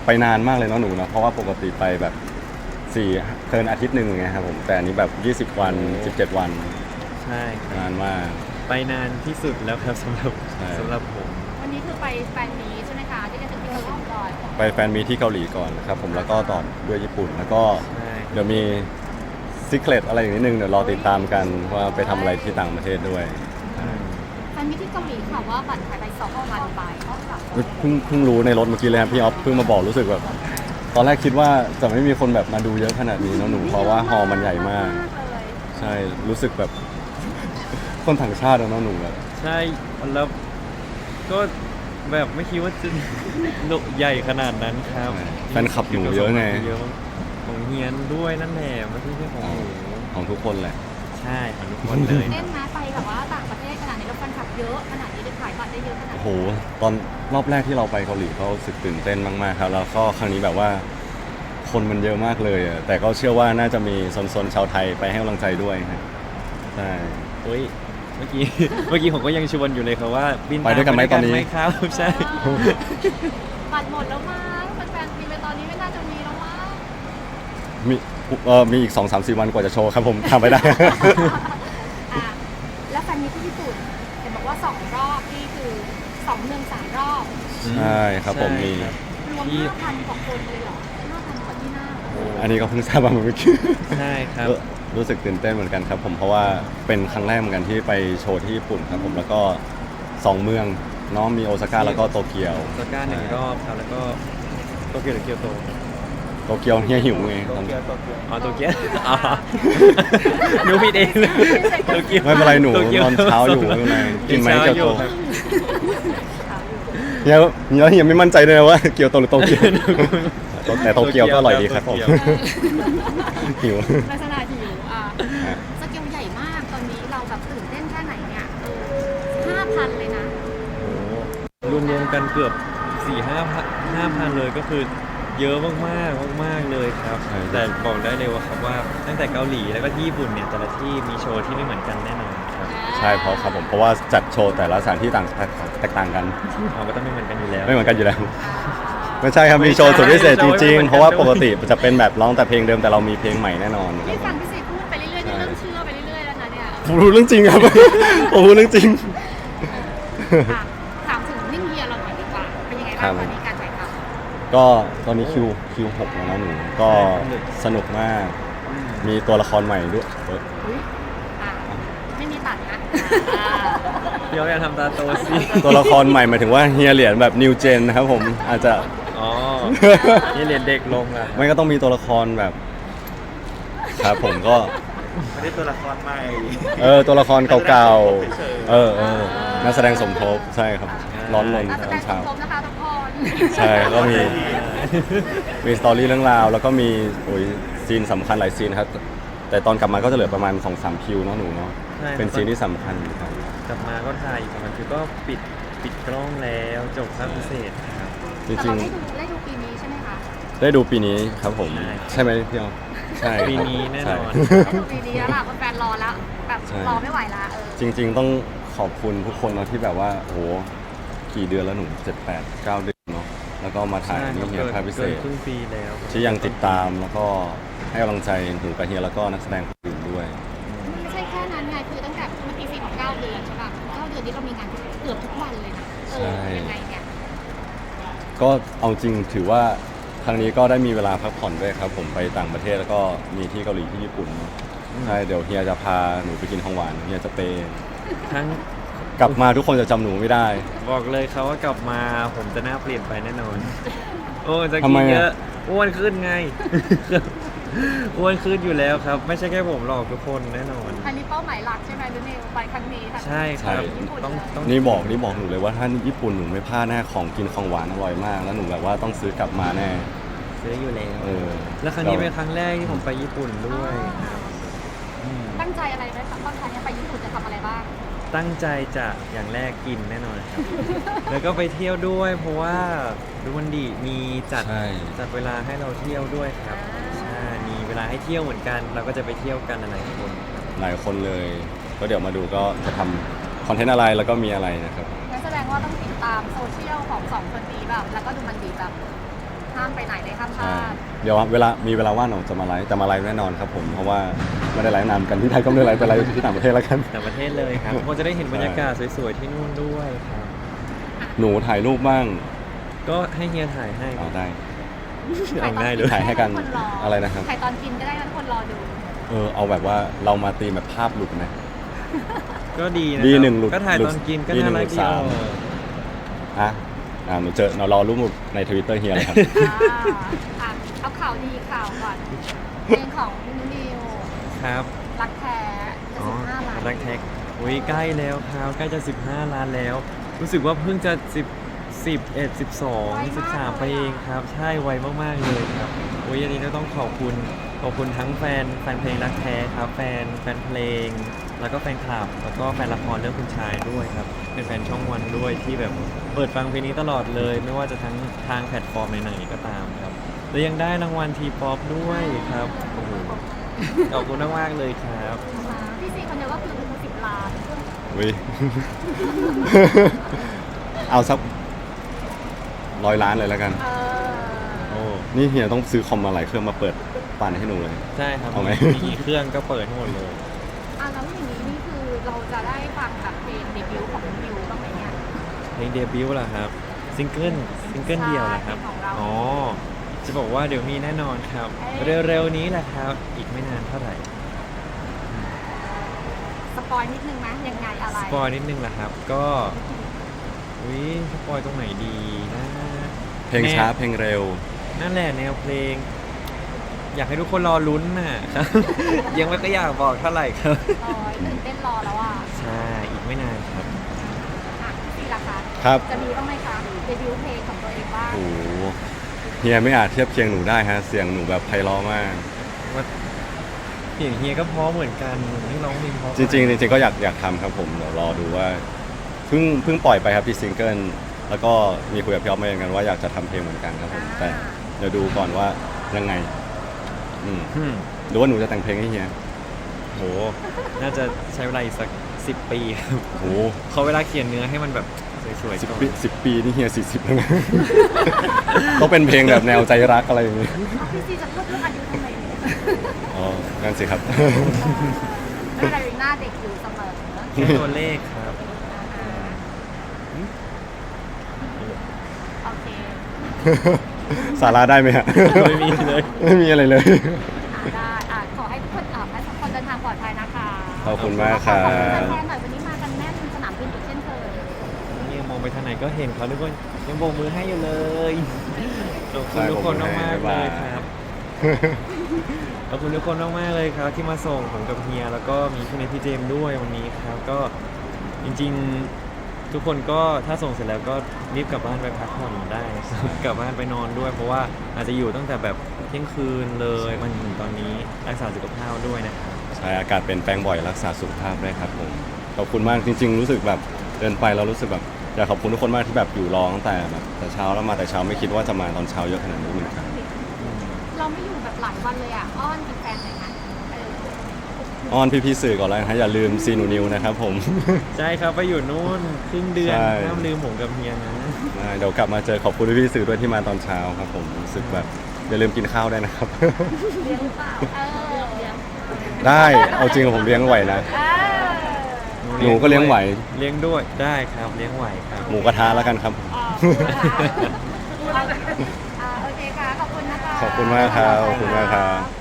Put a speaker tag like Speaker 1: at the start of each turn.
Speaker 1: ไปนานมากเลยเนาะหนูเนาะเพราะว่าปกติไปแบบเกินอาทิตย์หนึ่งไงครับผมแต่อันนี้แบบ20 วัน17 วัน
Speaker 2: ใช่ครับ
Speaker 1: นานมาก
Speaker 2: ไปนานที่สุดแล้วครับสำหรับ
Speaker 1: ใช่
Speaker 2: สำหรับผม
Speaker 3: วันนี้คือไปแฟนมีตใช่ไหมคะที่จะถึงที่เกาหลีก่อน
Speaker 1: ไปแฟนมีที่เกาหลีก่อนนะครับผมแล้วก็ต่อด้วยญี่ปุ่นแล้วก็
Speaker 2: ใช่
Speaker 1: เดี๋ยวมีซีเครตอะไรอย่างนิดนึงเดี๋ยวรอติดตามกันว่าไปทำอะไรที่ต่างประเทศด้วย
Speaker 3: แฟนมีตที่เกาหลีค่ะว่าบัตรขายไป2,000 ใบ
Speaker 1: เพิ่งรู้ในรถเมื่อกี้เลยครับพี่ออฟเพิ่งมาบอกรู้สึกแบบตอนแรกคิดว่าจะไม่มีคนแบบมาดูเยอะขนาดนี้เนอะหนูเพราะว่าฮอลล์มันใหญ่มาก
Speaker 3: เลย
Speaker 1: ใช่รู้สึกแบบ คนต่างชาติอะเนอะหนูแบบ
Speaker 2: ใช่แล้วก็แบบไม่คิดว่าจะ ใหญ่ขนาดนั้นครับ
Speaker 1: แฟนคลับหนูเยอะไง
Speaker 2: เยอะของเฮียนด้วยนั่นแหละไม่ใช่ของหนู
Speaker 1: ของทุกคนแหละ
Speaker 2: ใช่ของทุกคนเลย
Speaker 3: เต้นนะไปแบบว่าต่างประเทศขนาดนี้แล้วแฟนคลับเยอะขนาดนี้ได้ขายบัตรได้เยอะขนาด
Speaker 1: โอ้โห
Speaker 3: นี้
Speaker 1: ตอนรอบแรกที่เราไปเกาหลีก็รู้สึกตื่นเต้นมากๆครับแล้วก็ครั้งนี้แบบว่า คนมันเยอะมากเลยอะแต่ก็เชื่อว่าน่าจะมีโซนๆชาวไทยไปให้กำลังใจด้วยครับใช่
Speaker 2: โอ้ยเมื่อกี้ เมื่อกี้ผมก็ยังชวนอยู่เลยครับว่าบิน
Speaker 1: ไปด้วยกันไหมตอนนี้
Speaker 2: ครับ ใช่
Speaker 3: บัตรหมดแล้วมั้งแฟนๆมีไปตอนนี้ไม่น่าจะมีแล้วมั้ง
Speaker 1: มีอีก 2-3-4 วันกว่าจะโชว์ครับผมทำไปได้
Speaker 3: อ่ะแล้วแฟนมีตที่ญี่ปุ่นเห็นบอกว่า2 รอบนี่คือ2 เมือง 3 รอบ
Speaker 1: ใช่ครับผมมี
Speaker 2: ใช่ครับ
Speaker 3: รวม 5,000 กว่าคนเลยเหรอ 5,000 กว่าที่นั่ง
Speaker 1: อันนี้ก็เพิ่งทราบมาเมื่อกี้
Speaker 2: ใช่ครับ
Speaker 1: รู้สึกตื่นเต้นเหมือนกันครับผมเพราะว่าเป็นครั้งแรกเหมือนกันที่ไปโชว์ที่ญี่ปุ่นครับผมแล้วก็2 เมืองเนาะมีโอซาก้าแล้วก็โตเกียว
Speaker 2: โซก้า1 รอบครับแล้วก็โตเกียวหรือเกียวโต
Speaker 1: โตเกียวเฮียหิวไงตอน
Speaker 2: อ๋อโตเกียวอ๋อหนูผิดเองเลยโตเกียว
Speaker 1: ไม่เป็นไรหนู
Speaker 2: โตกียวน
Speaker 1: อนเช้าอยู่ไม่เป็นไรกินไหมเกียวโต
Speaker 2: ครับ
Speaker 1: เฮียไม่มั่นใจเลยนะว่าเกียวโตหรือโตเกียวแต่โตเกียวก็อร่อยดีครับผมหิว
Speaker 3: ลักษณะหิวอ่ะ
Speaker 1: ฮะ
Speaker 3: สเกลใหญ่มากตอนนี้เราแบบตื่นเต้นแค่ไหนเนี่ย5,000 เลยนะ
Speaker 2: รวมๆกันเกือบ 4-5,000เลยก็คือเยอะมากๆมากๆเลยครับ
Speaker 1: ใช่
Speaker 2: แต่บอกได้เลยว่าครับว่าตั้งแต่เกาหลีแล้วก็ที่ญี่ปุ่นเนี่ยแต่ละที่มีโชว์ที่ไม่เหมือนกันแน่นอนครับ
Speaker 1: ใช่เพราะครับผมเพราะว่าจัดโชว์แต่ละสถานที่แตกต่างกัน
Speaker 2: เขาก็ต้องไม่เหมือนกันอยู่แล้ว
Speaker 1: ไม่เหมือนกันอยู่แล้ว ไม่ใช่ครับมีโชว์สุดพิเศษจริงๆ เพราะว่าปกติจะเป็นแบบร้องแต่เพลงเดิมแต่เรามีเพลงใหม่แน่นอนครั
Speaker 3: ที่
Speaker 1: บ
Speaker 3: ฟังพี่เสกพูดไปเรื่อยๆนี่เริ่มเชื่อไปเรื่อยๆแล้วนะเนี่ย
Speaker 1: ผมรู้เรื่องจริงครับ ผมรู้เรื่องจริง
Speaker 3: อ่ะถามถึงนิ่งเฮียเราหน่อยดีกว่าเป็นยังไง
Speaker 1: ครั
Speaker 3: บ้าง
Speaker 1: บ
Speaker 3: ตอนนี้การถ่ายท
Speaker 1: ก็ตอนนี้คิว6แล้วนะหนูก็สนุกมาก มีตัวละครใหม่ด้วย
Speaker 3: ำอุ๊ยอ่ะไม่มีตัดนะอ่า
Speaker 2: เดี๋ยวอย่าทำตาโตสิ
Speaker 1: ตัวละครใหม่หมายถึงว่าเฮียเหรียญแบบนิวเจนนะครับผมอาจจะ
Speaker 2: อ๋อนี่เรียนเด็กลงอ่ะ
Speaker 1: ไม่ก็ต้องมีตัวละครแบบครับผมก็
Speaker 2: ไม่ได้ตัวละครใหม่
Speaker 1: ตัวละครเก่าๆนักแสดงสมทบใช่ครับร้อนรน
Speaker 3: นัก
Speaker 1: ต
Speaker 3: แส
Speaker 1: อ
Speaker 3: ด
Speaker 1: น
Speaker 3: งส
Speaker 1: เช้า
Speaker 3: มทบนะคะทุกคน
Speaker 1: ใช่ก็มีสตอรี่เรื่องราว แล้วก็มีโอ้ยซีนสำคัญหลายซีนครับ แต่ตอนกลับมาก็จะเหลือประมาณ 2-3 คิวเนาะหนูเนาะ
Speaker 2: ใช่
Speaker 1: เป็นซีนที่สำคัญครับ
Speaker 2: กลับมาก็ถ่ายอีกประมาณคือก็ปิดกล้องแล้วจบภาคพิเศษครับ
Speaker 1: จ
Speaker 3: แต่
Speaker 1: ริ
Speaker 3: เรา
Speaker 1: ง
Speaker 3: ได้ดูปีนี้ใช่ไหมคะ
Speaker 1: ๆ ได้ดูปีนี้ครับผม ใช่ไหมพี่ออฟใช่ครับ
Speaker 2: ปีนี้แน่นอน
Speaker 1: ใช่
Speaker 3: ได้ดูปีนี้แล้วล่ะแฟนๆรอแล้วแบบ
Speaker 1: ใช่
Speaker 3: รอไม่ไหวละ
Speaker 1: จริง ๆ ต้องขอบคุณทุกคนเนาะที่แบบว่าโอ้โหกี่เดือนแล้วหนู7-8-9 เดือนเนาะแล้วก็มาถ่ายนี่เฮียภาคพิเศษ
Speaker 2: ครึ่งปีแล้ว
Speaker 1: ที่ยังติดตามแล้วก็ให้กำลังใจหนูกับเฮียแล้วก็นักแสดงคนอื่นด้วย
Speaker 3: มันไม่ใช่แค่นั้นไงคือตั้งแต่เมื่อกี้4 ของ 9 เดือนใช่ป่ะ9 เดือนนี้เรามีงานเกือบทุกวันเลยนะยังไงเนี่ย
Speaker 1: ก็เอาจริงถือว่าครั้งนี้ก็ได้มีเวลาพักผ่อนด้วยครับ ผมไปต่างประเทศแล้วก็มีที่เกาหลีที่ญี่ปุ่นเนอะใช่เดี๋ยวเฮียจะพาหนูไปกินของหวานเฮียจะเปย์
Speaker 2: ทั้ง
Speaker 1: กลับมาทุกคนจะจำหนูไม่ได้
Speaker 2: บอกเลยเขาว่ากลับมาผมจะหน้าเปลี่ยนไปแน่นอน โอ้จะ
Speaker 1: ทำ
Speaker 2: กิ
Speaker 1: ไม
Speaker 2: น
Speaker 1: อะ
Speaker 2: เยอะอ้วนขึ้นไง อ้วนขึ้นอยู่แล้วครับ ไม่ใช่แค่ผมหรอกทุกคนแน่นอน
Speaker 3: อันนี้เป้าหมายหลักใช่ไหมหรือนิวไปครั้งนี้ทั้ง
Speaker 2: ใช่ครับ
Speaker 3: ญี่ปุ่น
Speaker 2: ต้อง
Speaker 1: นี่บอกหนูเลยว่าถ้าญี่ปุ่นหนูไม่พลาดแน่ของกินของหวานอร่อยมาก แล้วหนูแบบว่าต้องซื้อกลับมาแน่
Speaker 2: ซื้ออยู่แล้ว แล้วครั้ง
Speaker 1: เรา
Speaker 2: นี้เป็นครั้งแรกที่ผมไปญี่ปุ่นด้วยครับอืม
Speaker 3: ตั้งใจอะไรไหมคะตอนครั้งนี้ไปญี่ปุ่นจะทำอะไรบ้าง
Speaker 2: ตั้งใจจะอย่างแรกกินแน่นอนครับ แล้วก็ไปเที่ยวด้วย เพราะว่าดูมันดีมีจัด
Speaker 1: ใช่
Speaker 2: จัดเวลาให้เราเที่ยวด้วยครับใช่มีเวลาให้เที่ยวเหมือนกัน เราก็จะไปเที่ยวกันหลายคนครับ
Speaker 1: หลายคนเลยก็เดี๋ยวมาดูก็จะทำคอนเทนต์อะไรแล้วก็มีอะไรนะครับ
Speaker 3: งั้นแสดงว่าต้องติดตามโซเชียลของ2 คนนี้แบบแล้วก็ดูมันดีแบบห้ามไปไหนเลยห้ามพ
Speaker 1: ใช่
Speaker 3: ลาด
Speaker 1: เดี๋ยวมีเวลาว่างหนูจะมาไลฟ์แต่มาไลฟ์แน่นอนครับผมเพราะว่าไม่ได้ไลฟ์นานกันที่ไทยก็ไม่ได้ไลฟ์ไปไลฟ์ที่ต่างประเทศแล้วกัน
Speaker 2: ต่างประเทศเลยครับคงจะได้เห็นบรรยากาศสวยๆที่นู่นด้วยครับ
Speaker 1: หนูถ่ายรูปบ้าง
Speaker 2: ก็ให้เฮียถ่ายให้
Speaker 1: เอาได้
Speaker 2: เอาง่ายเลย
Speaker 1: ถ่ายให้กัน
Speaker 3: ทุคร
Speaker 1: อะไรนะครับ
Speaker 3: ถ่ายตอนกินก็ได้นะทุกคนรอดู
Speaker 1: เอาแบบว่าเรามาตีแบบภาพหลุดไหม
Speaker 2: ก็ดีนะ
Speaker 1: ดี
Speaker 2: ครับ
Speaker 1: หนึ่งหลุด
Speaker 2: ก็ถ่าย
Speaker 1: หลุด
Speaker 2: ตอนกินก็
Speaker 1: ดีหนึ่
Speaker 2: น่าง รัก
Speaker 1: หลุด
Speaker 2: ดี
Speaker 1: สาม
Speaker 2: อ
Speaker 1: หนูรอรูปหมุดในทวิตเตอร์เฮียเลยครับ
Speaker 3: เอาข่าวดีข่าวก่อนเพลงของนิว
Speaker 2: ครับ
Speaker 3: รักแท้จะ
Speaker 2: อ๋อ
Speaker 3: 15ล้าน
Speaker 2: รักแท็กอุ้ยใกล้แล้วครับใกล้จะ15 ล้านแล้ว รู้สึกว่าเพิ่งจะ11 12 13ไปเองครับ ใช่ไวมากๆเลยครับอุ้ยอันนี้ก็ต้องขอบคุณทั้งแฟนเพลงรักแท้ครับแฟนเพลง แล้วก็แฟนคลับ แล้วก็แฟนละครเรื่องคุณชายด้วยครับ เป็นแฟนช่องวันด้วยที่แบบเปิดฟังเพลงนี้ตลอดเลย ไม่ว่าจะทั้งทางแพลตฟอร์มไหนๆก็ตามครับและยังได้รางวัลทีป๊อปด้วยครับโอ้โหขอบคุณมากๆเลยครับ
Speaker 3: พี่ซีคนเดียวก็คือ10 ล้าน
Speaker 1: วิ เอาสัก100 ล้านเลยแล้วกัน
Speaker 2: โอ้
Speaker 1: นี่เฮียต้องซื้อคอมมาหลายเครื่องมาเปิดปั่นให้หนูเลย
Speaker 2: ใช่ครับ
Speaker 1: เอาไหม
Speaker 2: มีเครื่องก็เปิดทั้งหมดเลย
Speaker 3: แล้วอย่างนี้นี่คือเราจะได้ฟังแบบเพลงเดบิวต์ของนิวบ้างไหมเนี่ย
Speaker 2: เพลงเดบิวต์ล่ะครับซิงเกิลเดียวเหรอครับ
Speaker 3: ใช่ของเรา
Speaker 2: อ๋อจะบอกว่าเดี๋ยวมีแน่นอนครับ เร็วๆนี้แหละครับ อีกไม่นานเท่าไหร่
Speaker 3: สปอยนิดนึงไหมยังไงอะไร
Speaker 2: สปอยนิดนึงล่ะครับ ก็อุ้ยสปอยตรงไหนดีนะ
Speaker 1: เพลงช้าเพลงเร็ว
Speaker 2: นั่นแหละแนวเพลง อยากให้ทุกคนรอลุ้นน่ะ ครับ ยังไม่ก็อยากบอกเท่าไหร่ครับ
Speaker 3: ตื่นเต้นรอแล้วอ่ะ
Speaker 2: ใช่อีกไม่นานครับ
Speaker 3: พี่ซีล่ะคะ
Speaker 1: ครับ
Speaker 3: จะมีบ้างไหมคะเดบิวต์เพลงของตัวเองบ้าง
Speaker 1: โอ้โหเฮียไม่อาจเทียบเคียงหนูได้ฮะ เสียงหนูแบบไพเราะมาก
Speaker 2: ว่าเสียงเฮียก็เพราะเหมือนกันไม่ร้องเพลงเพราะ
Speaker 1: จริงๆก็อยากทำครับผมเดี๋ยวรอดูว่าเพิ่งปล่อยไปครับที่ซิงเกิลแล้วก็มีคุยกับพี่อ๊อฟมาเหมือนกันว่าอยากจะทำเพลงเหมือนกันครับผมแต่เดี๋ยวดูก่อนว่ายังไง
Speaker 2: อืม
Speaker 1: หรือว่าหนูจะแต่งเพลงให้เฮีย
Speaker 2: โหน่าจะใช้เวลาอีกสัก10 ปีครับ
Speaker 1: โอ้โห
Speaker 2: เขาเวลาเขียนเนื้อให้มันแบบสวยๆก่อน
Speaker 1: 10 ปีนี่เฮีย40แล้วนะ ต้องเป็นเพลงแบบแนวใจรักอะไรอย่างงี้
Speaker 3: พี่ซีจะพูดเรื่องอายุทำไมเนี่ย
Speaker 1: อ๋องั้นสิครับ
Speaker 3: ไม่เป็นไรหน้าเด็กอยู่เสมอ
Speaker 2: แค่ตัวเลขครับ
Speaker 3: โอเค
Speaker 1: สาระได้ไหมฮะ
Speaker 2: ไม่มีเลย
Speaker 1: ไม่มีอะไรเลย
Speaker 3: ได้ขอให้ทุกคนให้ทุกคนเดินทางปลอดภัยนะคะ
Speaker 1: ขอบคุณมากครั
Speaker 3: ขอบคุณ
Speaker 1: บ
Speaker 3: แฟนๆหน่อยวันนี้มากันแน่นสนามบินอีกเช่นเคย
Speaker 2: นี่มองไปทางไหนก็เห็นเขาทุกคนยังโบกมือให้อยู่เลยขอบคุณทุกคนมากๆเลยครับขอบคุณทุกคนมากๆเลยครับ ที่มาส่งผมกับเฮียแล้วก็มีพี่เนทพี่เจมส์ด้วยวันนี้ครับก็จริงๆทุกคนก็ถ้าส่งเสร็จแล้วก็รีบกลับบ้านไปพักผ่อนได้นะครับกลับบ้านไปนอนด้วย เพราะว่าอาจจะอยู่ตั้งแต่แบบเที่ยงคืนเลยมันถึงตอนนี้รักษาสุขภาพด้วยนะครับ
Speaker 1: ใช่อากาศเปลี่ยนแปลงบ่อยรักษาสุขภาพด้วยครับผมขอบคุณมากจริง ๆ รู้สึกแบบเดินไปเรารู้สึกแบบอยากขอบคุณทุกคนมากที่แบบอยู่รอตั้งแต่แบบแต่เช้าแล้วมาแต่เช้าไม่คิดว่าจะมาตอนเช้าเยอะขนาดนี้เหมือนกัน
Speaker 3: เราไม่อยู่แบบหลายวันเลยอ้อนแฟนๆหน่อยนะ
Speaker 1: อ้อนพี่ๆสื่อก่อนแล้วนะฮะอย่าลืมซีนูนิวนะครับผม
Speaker 2: ใช่ครับไปอยู่นู่นครึ่งเดือน
Speaker 1: ใช่
Speaker 2: ห้ามลืมผมกับเฮียนะ
Speaker 1: เดี๋ยวกลับมาเจอขอบคุณพี่ๆสื่อด้วยที่มาตอนเช้าครับผมรู้สึกแบบอย่าลืมกินข้าวได้วยนะครับ
Speaker 3: เลี้ยงหรือเปล่าเลี้ยง
Speaker 1: ได้เอาจริงกับผมเลี้ยงไหวนะ หนูก็เลี้ยงไหว
Speaker 2: เลี้ยงด้วยได้ครับเลี้ยงไหวครับ
Speaker 1: หมูกระทะแล้วกันครับ
Speaker 3: โอเคค่ะ ขอบคุณนะคะ
Speaker 1: ขอบคุณมากครับขอบคุณมากครับ